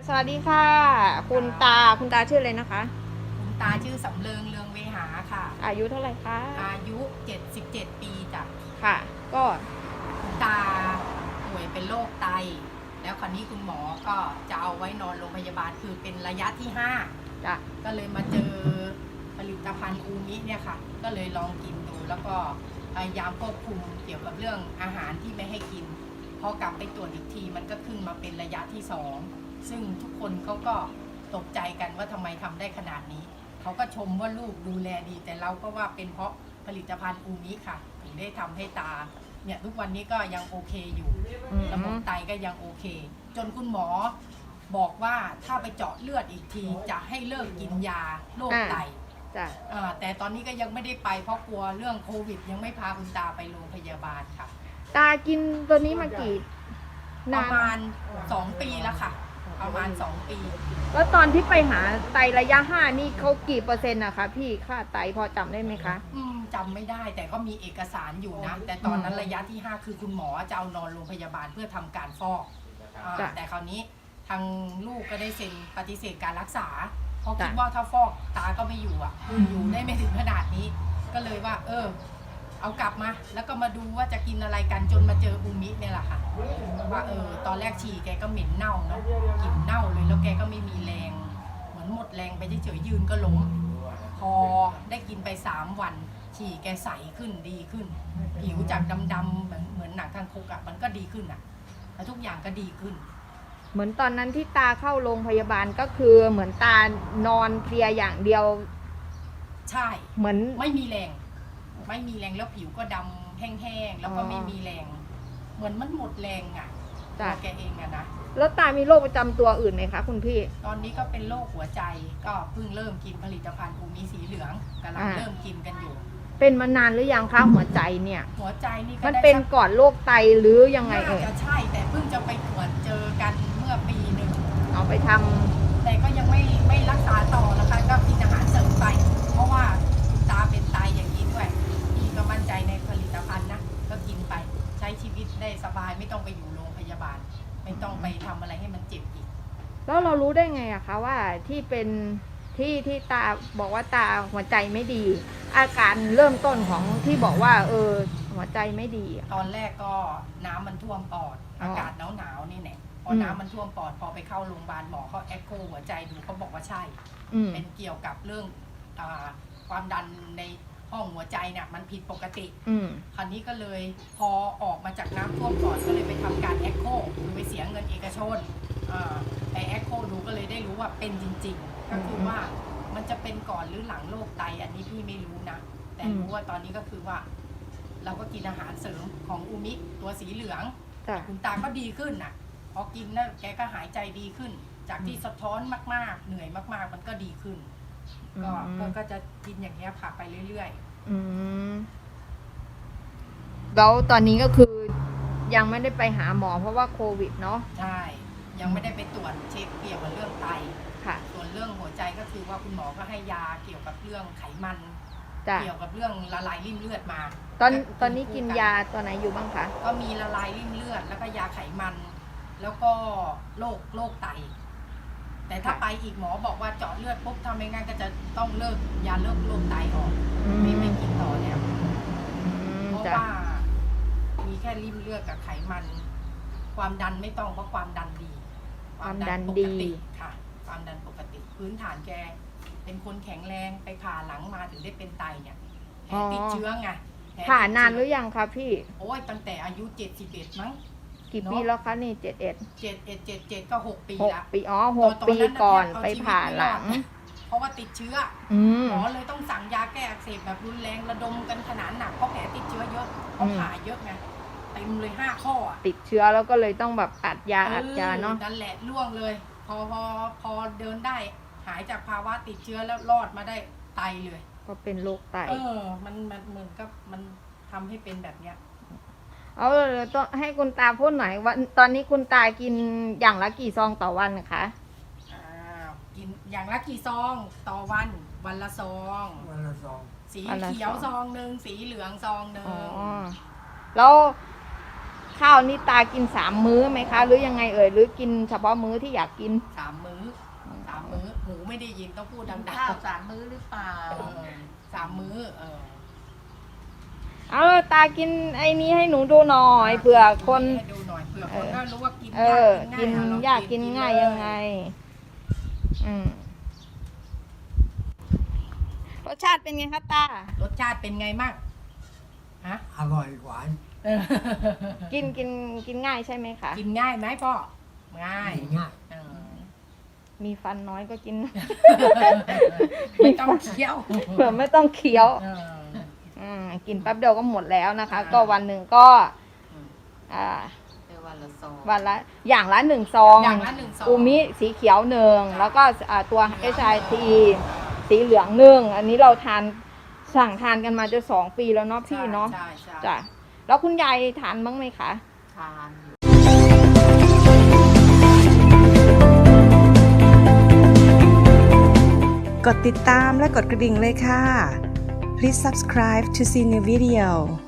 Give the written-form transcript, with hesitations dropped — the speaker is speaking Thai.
สวัสดีค่ะคุณตาชื่ออะไรนะคะคุณตาชื่อสำเริงเรืองเวหาค่ะอายุเท่าไหร่คะอายุ77ปีจ้ะค่ะก็คุณตาป่วยเป็นโรคไตแล้วคราวนี้คุณหมอก็จะเอาไว้นอนโรงพยาบาลคือเป็นระยะที่จ้ะ 5ก็เลยมาเจอผลิตภัณฑ์อูมิเนี่ยค่ะก็เลยลองกินดูแล้วก็พยายามควบคุมเกี่ยวกับเรื่องอาหารที่ไม่ให้กินพอกลับไปตรวจอีกทีมันก็ขึ้นมาเป็นระยะที่2ซึ่งทุกคนเขาก็ตกใจกันว่าทำไมทำได้ขนาดนี้เขาก็ชมว่าลูกดูแลดีแต่เราก็ว่าเป็นเพราะผลิตภัณฑ์อูมิค่ะถึงได้ทำให้ตาเนี่ยทุกวันนี้ก็ยังโอเคอยู่ระบบไตก็ยังโอเคจนคุณหมอบอกว่าถ้าไปเจาะเลือดอีกทีจะให้เลิกกินยาโรคไตจ้ะแต่ตอนนี้ก็ยังไม่ได้ไปเพราะกลัวเรื่องโควิดยังไม่พาคุณตาไปโรงพยาบาลค่ะตากินตัวนี้มากี่ประมาณ2 ปีแล้วค่ะประมาณ2 ปีแล้วตอนที่ไปหาไตระยะ5นี่เขากี่เปอร์เซ็นต์นะคะพี่ค่าไตพอจำได้ไหมคะจำไม่ได้แต่ก็มีเอกสารอยู่นะแต่ตอนนั้นระยะที่5คือคุณหมอจะเอานอนโรงพยาบาลเพื่อทำการฟอกแต่คราวนี้ทางลูกก็ได้เซ็นปฏิเสธการรักษาเพราะคิดว่าถ้าฟอกตาก็ไม่อยู่อยู่ได้ไม่ถึงขนาดนี้ก็เลยว่าเอากลับมาแล้วก็มาดูว่าจะกินอะไรกันจนมาเจออูมิเนี่ยแหละค่ะว่าตอนแรกฉี่แกก็เหม็นเน่าเนาะกลิ่นเน่าเลยแล้วแกก็ไม่มีแรงเหมือนหมดแรงไปเฉยๆยืนก็ล้มพอได้กินไป3 วันฉี่แกใสขึ้นดีขึ้นผิวจากดำๆเหมือนหนังคางคกมันก็ดีขึ้นแล้วทุกอย่างก็ดีขึ้นเหมือนตอนนั้นที่ตาเข้าโรงพยาบาลก็คือเหมือนตานอนเพลียอย่างเดียวใช่เหมือนไม่มีแรงแล้วผิวก็ดำแห้งๆแล้วก็ไม่มีแรงเหมือนมันหมดแรงตัวแกเองนะแล้วตามีโรคประจำตัวอื่นไหมคะคุณพี่ตอนนี้ก็เป็นโรคหัวใจก็เพิ่งเริ่มกินผลิตภัณฑ์อูมิสีเหลืองกำลังเริ่มกินกันอยู่เป็นมานานหรือยังคะหัวใจเนี่ยหัวใจนี่มันเป็นก่อนโรคไตหรือยังไงจะใช่แต่เพิ่งจะไปตรวจเจอกันเมื่อปีหนึ่งเอาไปทำแต่ก็ยังไม่รักษาต่อนะคะก็กินอาหารเสริมไปเพราะว่าตาเป็นไตอย่างนี้ด้วยพี่ก็มั่นใจในผลิตภัณฑ์นะก็กินไปใช้ชีวิตได้สบายไม่ต้องไปอยู่โรงพยาบาลไม่ต้องไปทำอะไรให้มันเจ็บอีกแล้วเรารู้ได้ไงอะคะว่าที่เป็นที่ตาบอกว่าตาหัวใจไม่ดีอาการเริ่มต้นของที่บอกว่าหัวใจไม่ดีตอนแรกก็น้ำมันท่วมปอดอากาศหนาวนี่แหละพอน้ำมันท่วมปอดพอไปเข้าโรงพยาบาลหมอเขาเอ็กโคหัวใจดูเขาบอกว่าใช่เป็นเกี่ยวกับเรื่องความดันในห้องหัวใจเนี่ยมันผิดปกติคราวนี้ก็เลยพอออกมาจากน้ำท่วมปอดก็เลยไปทำการเอ็กโคไปเสียเงินเอกชนไปเอ็กโคดูก็เลยได้รู้ว่าเป็นจริงๆก็คือว่ามันจะเป็นก่อนหรือหลังโรคไตอันนี้พี่ไม่รู้นะแต่รู้ว่าตอนนี้ก็คือว่าเราก็กินอาหารเสริมของอูมิตัวสีเหลืองคุณตาก็ดีขึ้นพอกินแล้วแกก็หายใจดีขึ้นจากที่สะท้อนมากๆเหนื่อยมากๆมันก็ดีขึ้นก็จะกินอย่างเงี้ยผ่าไปเรื่อยๆแล้วตอนนี้ก็คือยังไม่ได้ไปหาหมอเพราะว่าโควิดเนาะใช่ยังไม่ได้ไปตรวจเช็คเกี่ยวกับเรื่องไตค่ะส่วนเรื่องหัวใจก็คือว่าคุณหมอก็ให้ยาเกี่ยวกับเรื่องไขมันเกี่ยวกับเรื่องละลายริ่มเลือดมาตอนนี้กินยาตัวไหนอยู่บ้างคะก็มีละลายริ่มเลือดแล้วก็ยาไขมันแล้วก็โรคไตแต่ถ้าไปอีกหมอบอกว่าเจาะเลือดปุ๊บทำไม่งั้นก็จะต้องเลิกยาเลิกโรคไตออกไม่กินต่อแล้วเพราะว่ามีแค่ริ่มเลือดกับไขมันความดันไม่ต้องเพราะความดันดีความดันปกติค่ะความดันปกติพื้นฐานแกเป็นคนแข็งแรงไปผ่าหลังมาถึงได้เป็นไตเนี่ยติดเชื้อไงผ่านานหรือยังคะพี่โอ้ยตั้งแต่อายุ71มั้งกี่ปีแล้วคะนี่71 ก็6 ปีละ 6 ปีก่อนไปผ่าหลังเพราะว่าติดเชื้อหมอเลยต้องสั่งยาแก้อักเสบแบบรุนแรงระดมกันขนาดหนักเพราะแผลติดเชื้อเยอะเพราะผ่าเยอะไงเต็มเลย5 ข้อติดเชื้อแล้วก็เลยต้องแบบอัดยาเนาะนั่นแหละล่วงเลยพอเดินได้หายจากภาวะติดเชื้อแล้วรอดมาได้ไตเลยก็เป็นโรคไตมันเหมือนกับมันทำให้เป็นแบบเนี้ยเอาต้องให้คุณตาพูดหน่อยว่าตอนนี้คุณตากินอย่างละกี่ซองต่อวันคะกินอย่างละกี่ซองต่อวันละซองสีเขียวซองหนึ่งสีเหลืองซองหนึ่งแล้วข้าวนี่ตากิน3 มื้อไหมคะ หรือยังไงเอ่ยหรือกินเฉพาะมื้อที่อยากกิน 3 มื้อหมูไม่ได้ยินต้องพูดดังข้าว3 มื้อหรือเปล่า 3 มื้อเอาเลยตากินไอ้นี้ให้หนูดูหน่อยเผื่อคนให้ดูหน่อยเผื่อคนก็รู้ว่ากินกินยากกินง่ายยังไงรสชาติเป็นไงคะตารสชาติเป็นไงมั่งฮะอร่อยหวานกินง่ายใช่ไหมคะกินง่ายไหมพ่อง่ายง่ายมีฟันน้อยก็กินไม่ต้องเคี้ยวเผื่อไม่ต้องเคี้ยวกินแป๊บเดียวก็หมดแล้วนะคะ ก็วันหนึ่งก็วันละซองวันละอย่างละ1 ซองอย่างละ1 ซองอูมิสีเขียว1แล้วก็ตัว HIT สีเหลือง1อันนี้เราสั่งทานกันมาจะ2 ปีแล้วเนาะพี่เนาะใช่จ้ะแล้วคุณยายทานบ้างไหมคะทานกดติดตามและกดกระดิ่งเลยค่ะ Please subscribe to see new video